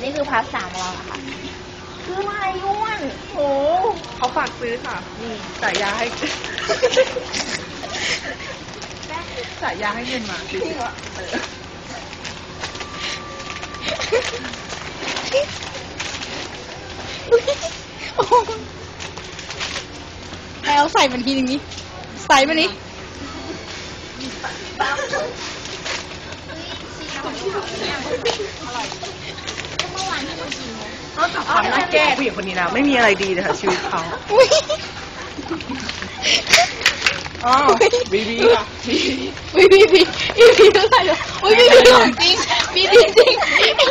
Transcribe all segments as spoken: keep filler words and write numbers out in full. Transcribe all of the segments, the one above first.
นี่คือพาร์ทสามของเราค่ะคืออะไรอ้วนโอ้เขาฝากซื้อค่ะนี่จ่ายยาให้จ่ายยาให้เงินมาจริงเหรอแล้วใส่มันทีนึงนี้ใส่มันนี้เขาจับความน่าแก้ผู้หญิงคนนี้นะไม่มีอะไรดีเลยค่ะชีวิตเขาอ๋อบีบีค่ะบีบีบีบีบีบีบีอะไรเหรออุ้ยบีบีของจริงบีบีจริง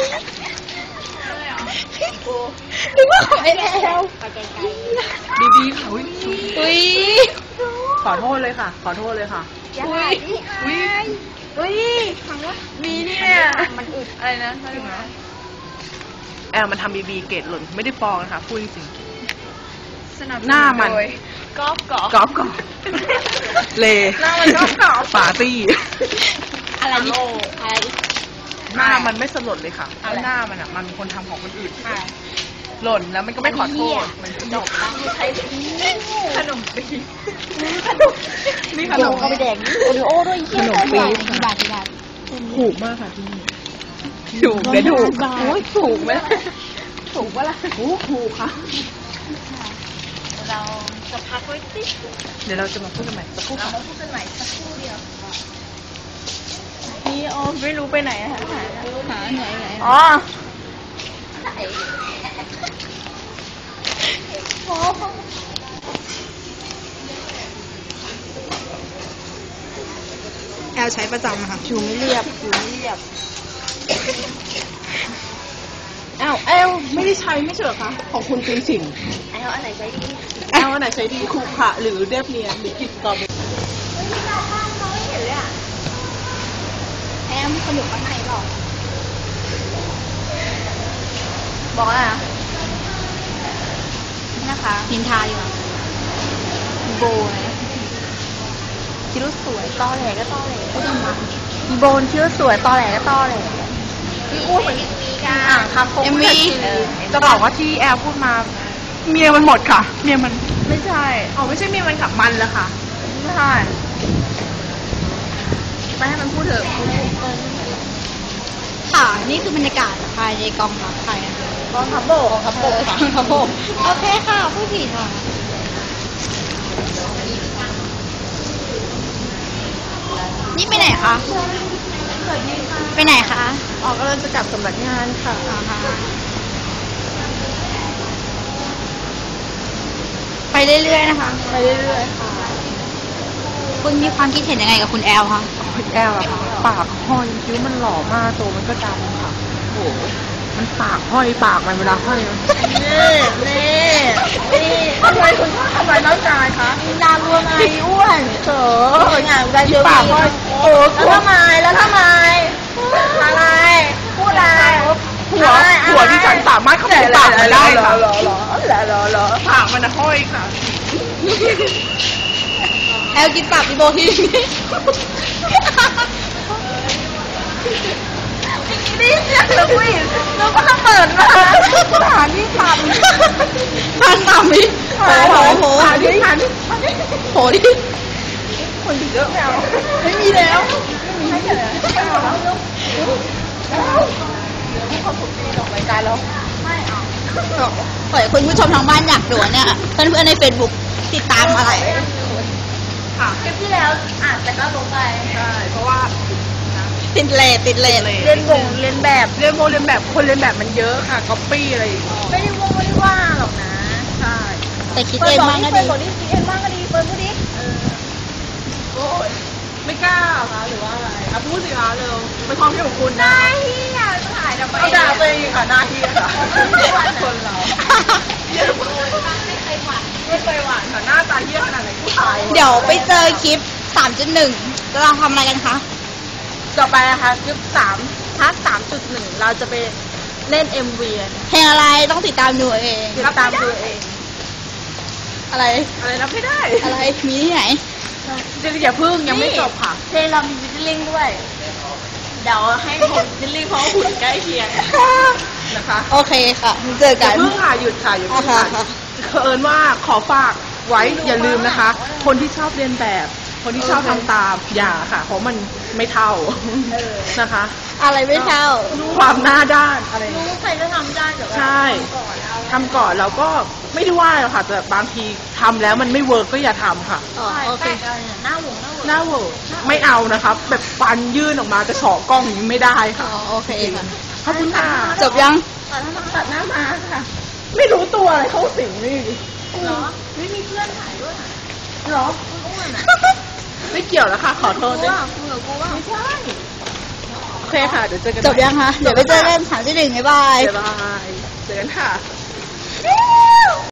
นึกว่าของไอ้แอลบีบีค่ะอุ้ยอุ้ยขอโทษเลยค่ะขอโทษเลยค่ะอุ้ยอุ้ยอุ้ยฟังว่ามีเนี่ยมันอึดอะไรนะอะไรนะแอลมันทำบีบีเกตหล่นไม่ได้ปองนะคะพูดจริงหน้ามันกอล์ฟกอล์ฟกอล์ฟกอล์ฟเลหน้ามันกอล์ฟกอล์ฟปาร์ตี้อะไรนี่อะไรหน้ามันไม่สลดเลยค่ะเพราะหน้ามันอ่ะมันเป็นคนทำของคนอื่นหล่นแล้วมันก็ไม่ขอโทษมันจบใช้ขนมปีขนมนี่ขนมเอาไปแดกโอริโอ้ด้วยขนมปีที่บาทที่บาทถูกมากค่ะที่นี่ถูกเลยถูกโอ้ยถูกไหมถูกปะล่ะโอ้ถูกค่ะเราจะพักไว้สิเดี๋ยวเราจะมาพูดกันใหม่สักครู่เรามาพูดกันใหม่สักครู่เดียวนี่อ๋อไม่รู้ไปไหนอะหาหาหาไหนไหนอ๋อแอลใช้ประจำค่ะผิวไม่เรียบผิวไม่เรียบแอลแอลไม่ได้ใช้ไม่ใช่เหรอคะของคุณตีสิงแอลอันไหนใช้ดีแอลอันไหนใช้ดีคูขะหรือเรียบเนียนหรือกินกรอบเฮ้ยเราข้างเขาไม่เห็นเลยอะแอลมีคนอยู่ข้างในหรอบอกอะไรอะนะคะนินทาอยู่โบนะคิดว่าสวยตอแหลก็ตอแหลก็ต้องมาโบนคิดว่าสวยตอแหลก็ตอแหลพี่อ้วนเหมือนมีการอ่างคำคงไม่จะบอกว่าที่แอลพูดมาเมียมันหมดค่ะเมียมันไม่ใช่อ๋อไม่ใช่เมียมันกับมันแล้วค่ะไม่ใช่ไปให้มันพูดเถอะค่ะนี่คือบรรยากาศภายในกองทัพไทยนะคะกองทัพบกกองทัพบกค่ะกองทัพบกโอเคค่ะผู้ผิดค่ะนี่ไปไหนคะไปไหนคะออกกำลังจะกลับสำนักงานค่ะไปเรื่อยๆนะคะไปเรื่อยๆค่ะคุณมีความคิดเห็นยังไงกับคุณแอลคะคุณแอลอะค่ะปากห้อยคิ้วมันหล่อมากตัวมันก็ดำค่ะโอ้มันปากห้อยปากมันเวลาห้อยมันนี่นี่นี่ทำไมคุณชอบทำร้ายน้องชายคะมีนามรวมไงอ้วนเถอะงานกันเยอะปากห้อยโอ้แล้วทำไมแล้วทำไมอะไรพูดอะไรหัวหัวที่ฉันสามารถขโมยปากมันได้ค่ะหรอหรอหรอหรอหรอปากมันห้อยค่ะแอลกินปากพี่โบทีนี่เสียงเราคุยเราก็เปิดมาหาที่ทำทานทำนี่โหโหโหหาที่ทำโหดิคนเยอะแล้วไม่มีแล้วไม่มีให้เลยแล้วให้เขาถูกตีลงรายการแล้วไม่เอาปล่อยคุณผู้ชมทางบ้านอยากดูเนี่ยเพื่อนๆในเฟซบุ๊กติดตามอะไรค่ะคลิปที่แล้วอ่านแต่ก็ลงไปใช่เพราะว่าติดเลทติดเลทเรียนวงเรียนแบบเรียนวงเรียนแบบคนเรียนแบบมันเยอะค่ะก๊อปปี้อะไรไม่ได้วงไม่ได้ว่าหรอกนะใช่แต่คิดเองบ้างก็ดีเปิดบอกนี่คิดเองบ้างก็ดีเปิดพูดดิโอ้ยไม่กล้าค่ะหรือว่าอะไรอ่ะพูดสิคะเร็วเป็นความคิดของคุณนะที่อยากถ่ายทำไมเอาด่าไปค่ะหน้าที่ค่ะคนเราไม่เคยหวานไม่เคยหวานค่ะหน้าตาเยี่ยขนาดไหนผู้ชายเดี๋ยวไปเจอคลิป สามจุดหนึ่ง เราทำอะไรกันคะต่อไปนะคะคลิปสามพาร์ท สามจุดหนึ่ง เราจะไปเล่น เอ็ม วีเพลงอะไรต้องติดตามดูเองติดตามดูเองอะไรอะไรรับไม่ได้อะไรมีที่ไหนจะอย่าพึ่งยังไม่จบค่ะเพลงเรามีวิดดิ้งด้วยเดี๋ยวให้ผมวิดดิ้งเพราะหุ่นใกล้เคียงนะคะโอเคค่ะเจออกัย่าน เพิ่งค่ะหยุดค่ะอย่าเพิ่งค่ะค่ะค่ะเผอิญว่าขอฝากไว้อย่าลืมนะคะ คนที่ชอบเรียนแบบ คนที่ชอบทำตามอย่าค่ะ เพราะมันไม่เท่านะคะอะไรไม่เท่าความหน้าด้านอะไรรู้ใครก็ทำได้แต่ว่าใช่ทำก่อนเราก็ไม่ได้ว่าหรอกค่ะ แต่บางทีทำแล้วมันไม่เวิร์กก็อย่าทำค่ะอ๋อโอเคแปะอะไรเนี่ยหน้าหวงหน้าหวงหน้าเวิร์กไม่เอานะคะแบบฟันยื่นออกมาจะเฉาะกล้องอย่างนี้ไม่ได้อ๋ค่ะอโอเคค่ะขอบคุณค่ะจบยังตัดหน้ามาตัดหน้ามาค่ะ ไม่รู้ตัวอะไรเข้าสิงนี่เหรอไม่มีเพื่อนถ่ายด้วยเหรออ้วนๆอ่ะไม่เกี่ยวแล้วค่ะ ขอโทษกูด้วยว่ากูเหรอกูว่าไม่ใช่โอเคค่ะ เดี๋ยวเจอกันจบยังคะ เดี๋ยวไปเจอกันถามที่หนึ่งบ๊ายบายบ๊ายบาย เจอกันค่ะ